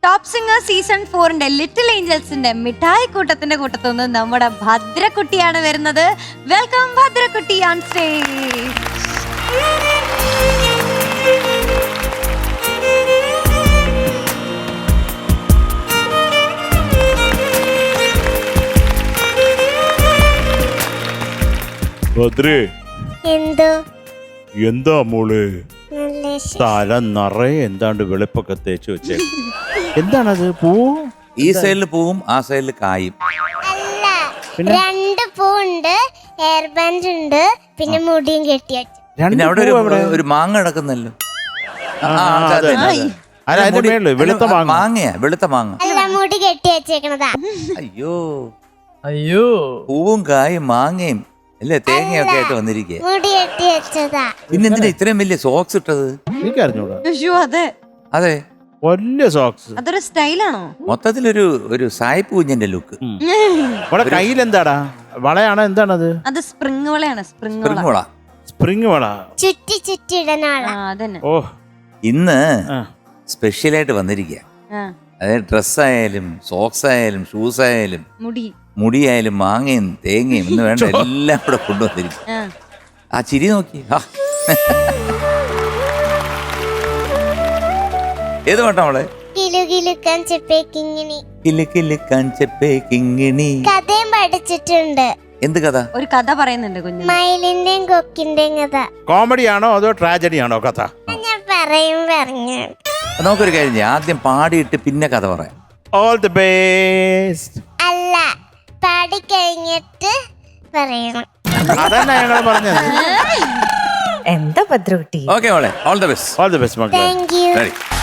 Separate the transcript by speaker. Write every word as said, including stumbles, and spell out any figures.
Speaker 1: Top singer season ഫോറിന്റെ little ഏഞ്ചൽസിന്റെ മിഠായി കൂട്ടത്തിന്റെ കൂട്ടത്തു നിന്ന് നമ്മുടെ ഭദ്രക്കുട്ടിയാണ് വരുന്നത്. Welcome Bhadrakutty on stage.
Speaker 2: ഭദ്രേ,
Speaker 3: എന്തോ
Speaker 2: എന്താ മോള്
Speaker 3: നല്ല വിശേഷം.
Speaker 2: തല നിറയെ എന്താണ്ട് വെളുപ്പൊക്കെ തേച്ച് വെച്ചേ? എന്താണത്? പൂ?
Speaker 4: ഈ സൈഡിൽ പൂവും ആ സൈഡിൽ കായും.
Speaker 3: അല്ല, രണ്ട് പൂണ്ട്, ഹെയർ ബാൻഡ് ഉണ്ട്, പിന്നെ മുടിയും കെട്ടി വെച്ചു.
Speaker 4: പിന്നെ അവിടെ ഒരു ഒരു മാങ്ങ കിടക്കുന്നല്ലോ.
Speaker 2: ആ, അതെ, അതെ. അല്ല, അതിന്റെ മേളില് വെളുത്ത മാങ്ങ.
Speaker 4: മാങ്ങയാ, വെളുത്ത മാങ്ങ.
Speaker 3: അല്ല, മുടി കെട്ടി വെച്ചേക്കണതാ.
Speaker 4: അയ്യോ
Speaker 5: അയ്യോ,
Speaker 4: പൂവും കായും മാങ്ങയും അല്ലേ തേങ്ങയൊക്കെ ആയിട്ട് വന്നിരിക്കുക.
Speaker 3: മുടി കെട്ടി വെച്ചതാ.
Speaker 4: പിന്നെന്തിനാ ഇത്രയും വലിയ സോക്സ് ഇട്ടത്?
Speaker 2: എനിക്കറിഞ്ഞൂടാ.
Speaker 1: അയ്യോ, അതെ
Speaker 4: അതെ,
Speaker 2: വലിയ സോക്സ്.
Speaker 1: അതൊരു സ്റ്റൈലാണോ?
Speaker 4: മൊത്തത്തിലൊരു ഒരു സായിപ്പ് കുഞ്ഞിന്റെ ലുക്ക്.
Speaker 2: ഇവിടെ കയ്യിൽ എന്താടാ? വളയാണോ? എന്താണത്?
Speaker 1: അത് സ്പ്രിങ് വളയാണ്. സ്പ്രിങ് വള.
Speaker 4: സ്പ്രിങ്ങോളാ.
Speaker 2: സ്പ്രിങ് വള.
Speaker 3: ചുറ്റി ചുറ്റി ഇടനാളാ.
Speaker 1: ആ, അതന്നെ.
Speaker 2: ഓ,
Speaker 4: ഇന്ന്
Speaker 2: ആ.
Speaker 4: സ്പെഷ്യലായിട്ട് വന്നിരിക്കുക.
Speaker 1: ആ,
Speaker 4: അതായത് ഡ്രസ് ആയാലും സോക്സ് ആയാലും ഷൂസ് ആയാലും
Speaker 1: മുടി.
Speaker 4: മുടിയായാലും മാങ്ങയും തേങ്ങയും എന്ന് വേണ്ട എല്ലാം കൂടെ കൊണ്ടുവന്നിരിക്കും.
Speaker 1: ആ.
Speaker 4: ആ ചിരി നോക്കി. ആ. ഏത് പാട്ടാ മോളെ?
Speaker 3: കിലു കിലുക്കാൻ ചെപ്പേക്കിങ്ങിണി.
Speaker 4: കില് കിലുക്കാൻ ചെപ്പേ കിങ്ങിണി.
Speaker 3: കഥയും പഠിച്ചിട്ടുണ്ട്.
Speaker 4: എന്ത് കഥ?
Speaker 1: ഒരു കഥ പറയുന്നുണ്ട് കുഞ്ഞു.
Speaker 3: മയിലിന്റെയും കൊക്കിന്റെയും കഥ.
Speaker 2: കോമഡി ആണോ അതോ ട്രാജഡി ആണോ കഥ?
Speaker 3: ഞാൻ പറയും പറഞ്ഞു.
Speaker 4: നമുക്കൊരു കാര്യം ചെയ്യാം, ആദ്യം പാടിയിട്ട് പിന്നെ കഥ പറയാം.
Speaker 2: All the best.
Speaker 3: അല്ല, പാടി കഴിഞ്ഞിട്ട് പറയണം.
Speaker 2: അതന്നെ ഞങ്ങൾ പറഞ്ഞത്.
Speaker 6: എന്താ ഭദ്രകുട്ടി?
Speaker 4: ഓക്കെ മോളെ, all the best.
Speaker 2: All the best മക്കളെ.
Speaker 3: Thank you.
Speaker 4: Ready.